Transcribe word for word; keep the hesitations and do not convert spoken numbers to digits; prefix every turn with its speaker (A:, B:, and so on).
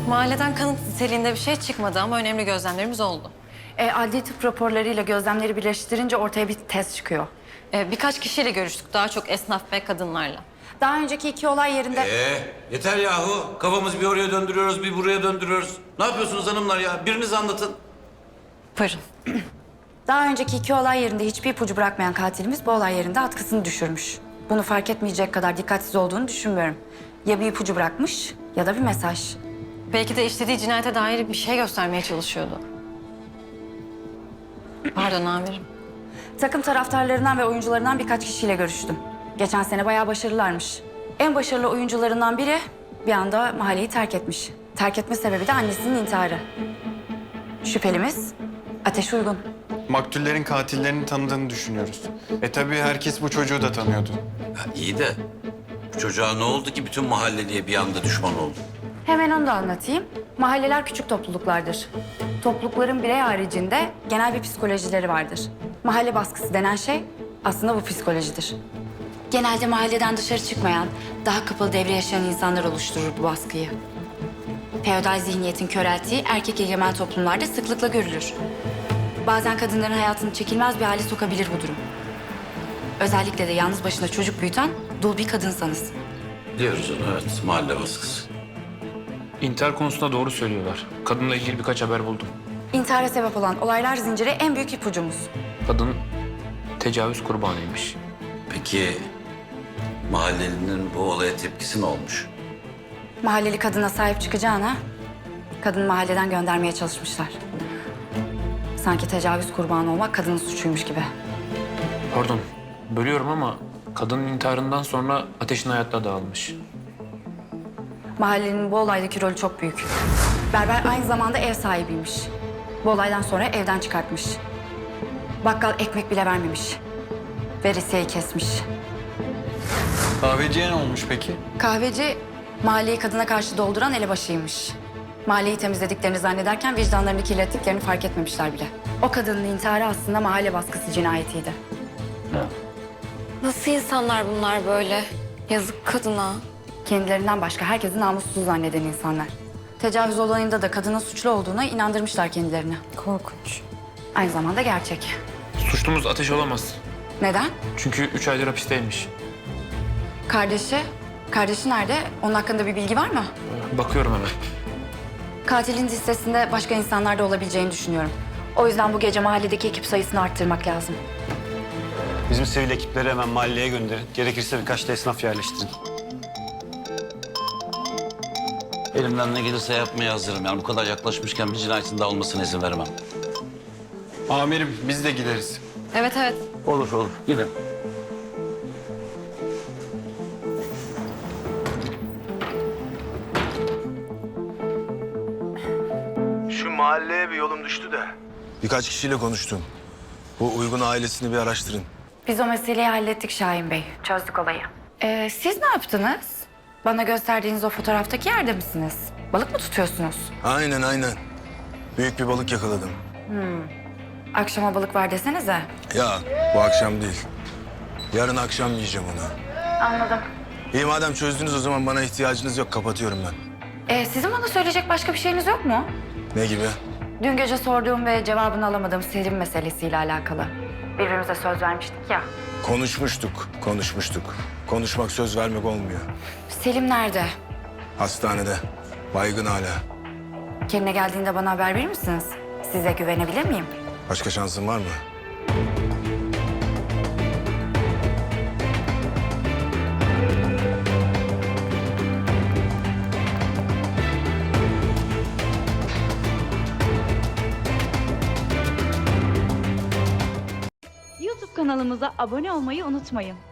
A: Mahalleden kanıt niteliğinde bir şey çıkmadı ama önemli gözlemlerimiz oldu.
B: E, adli tıp raporlarıyla gözlemleri birleştirince ortaya bir test çıkıyor.
A: Ee, birkaç kişiyle görüştük, daha çok esnaf ve kadınlarla.
B: Daha önceki iki olay yerinde...
C: Ee, yeter yahu. Kafamızı bir oraya döndürüyoruz, bir buraya döndürüyoruz. Ne yapıyorsunuz hanımlar ya? Biriniz anlatın.
A: Buyurun.
B: Daha önceki iki olay yerinde hiçbir ipucu bırakmayan katilimiz bu olay yerinde atkısını düşürmüş. Bunu fark etmeyecek kadar dikkatsiz olduğunu düşünmüyorum. Ya bir ipucu bırakmış ya da bir mesaj.
A: Belki de işlediği cinayete dair bir şey göstermeye çalışıyordu. Pardon amirim.
B: Takım taraftarlarından ve oyuncularından birkaç kişiyle görüştüm. Geçen sene bayağı başarılılarmış. En başarılı oyuncularından biri bir anda mahalleyi terk etmiş. Terk etme sebebi de annesinin intiharı. Şüphelimiz Ateş Uygun.
D: Maktullerin katillerini tanıdığını düşünüyoruz. E tabii herkes bu çocuğu da tanıyordu.
C: Ya iyi de bu çocuğa ne oldu ki bütün mahalleliye bir anda düşman oldu?
B: Hemen onu da anlatayım. Mahalleler küçük topluluklardır. Toplulukların birey haricinde genel bir psikolojileri vardır. Mahalle baskısı denen şey aslında bu psikolojidir. Genelde mahalleden dışarı çıkmayan, daha kapalı devre yaşayan insanlar oluşturur bu baskıyı. Feodal zihniyetin körelttiği erkek egemen toplumlarda sıklıkla görülür. Bazen kadınların hayatını çekilmez bir hale sokabilir bu durum. Özellikle de yalnız başına çocuk büyüten dul bir kadınsanız.
C: Diyoruz onu, evet. Mahalle baskısı.
E: İntihar konusunda doğru söylüyorlar. Kadınla ilgili birkaç haber buldum.
B: İntihara sebep olan olaylar zinciri en büyük ipucumuz.
E: Kadın tecavüz kurbanıymış.
C: Peki mahallelinin bu olaya tepkisi ne olmuş?
B: Mahalleli kadına sahip çıkacağına kadını mahalleden göndermeye çalışmışlar. Sanki tecavüz kurbanı olmak kadının suçuymuş gibi.
E: Pardon, bölüyorum ama kadının intiharından sonra Ateş'in hayatla dağılmış.
B: Mahallenin bu olaydaki rolü çok büyük. Berber aynı zamanda ev sahibiymiş. Bu olaydan sonra evden çıkartmış. Bakkal ekmek bile vermemiş. Veresiyeyi kesmiş.
D: Kahveciye ne olmuş peki?
B: Kahveci mahalleyi kadına karşı dolduran elebaşıymış. Mahalleyi temizlediklerini zannederken vicdanlarını kirlettiklerini fark etmemişler bile. O kadının intiharı aslında mahalle baskısı cinayetiydi.
A: Nasıl insanlar bunlar böyle? Yazık kadına.
B: Kendilerinden başka herkesi namussuz zanneden insanlar. Tecavüz olayında da kadının suçlu olduğuna inandırmışlar kendilerini.
A: Korkunç.
B: Aynı zamanda gerçek.
E: Suçlumuz Ateş olamaz.
B: Neden?
E: Çünkü üç aydır hapisteymiş.
B: Kardeşi, kardeşi nerede? Onun hakkında bir bilgi var mı?
E: Bakıyorum hemen.
B: Katilin listesinde başka insanlar da olabileceğini düşünüyorum. O yüzden bu gece mahalledeki ekip sayısını arttırmak lazım.
F: Bizim sivil ekipleri hemen mahalleye gönderin. Gerekirse birkaç da esnaf yerleştirin.
C: Elimden ne gelirse yapmaya hazırım. Yani bu kadar yaklaşmışken bir cinayetin daha olmasına izin veremem.
D: Amirim biz de gideriz.
A: Evet evet.
C: Olur olur. Gidin.
G: Şu mahalleye bir yolum düştü de. Birkaç kişiyle konuştum. Bu Uygun ailesini bir araştırın.
B: Biz o meseleyi hallettik Şahin Bey. Çözdük olayı. Ee, siz ne yaptınız? Bana gösterdiğiniz o fotoğraftaki yerde misiniz? Balık mı tutuyorsunuz?
G: Aynen aynen. Büyük bir balık yakaladım.
B: Akşama balık var desenize.
G: Ya bu akşam değil. Yarın akşam yiyeceğim onu.
B: Anladım.
G: İyi madem çözdünüz o zaman bana ihtiyacınız yok. Kapatıyorum ben.
B: Ee, sizin bana söyleyecek başka bir şeyiniz yok mu?
G: Ne gibi?
B: Dün gece sorduğum ve cevabını alamadığım Selim meselesiyle alakalı. Birbirimize söz vermiştik ya.
G: Konuşmuştuk, konuşmuştuk. Konuşmak söz vermek olmuyor.
B: Selim nerede?
G: Hastanede. Baygın hala.
B: Kendine geldiğinde bana haber verir misiniz? Size güvenebilir miyim?
G: Başka şansın var mı?
H: YouTube kanalımıza abone olmayı unutmayın.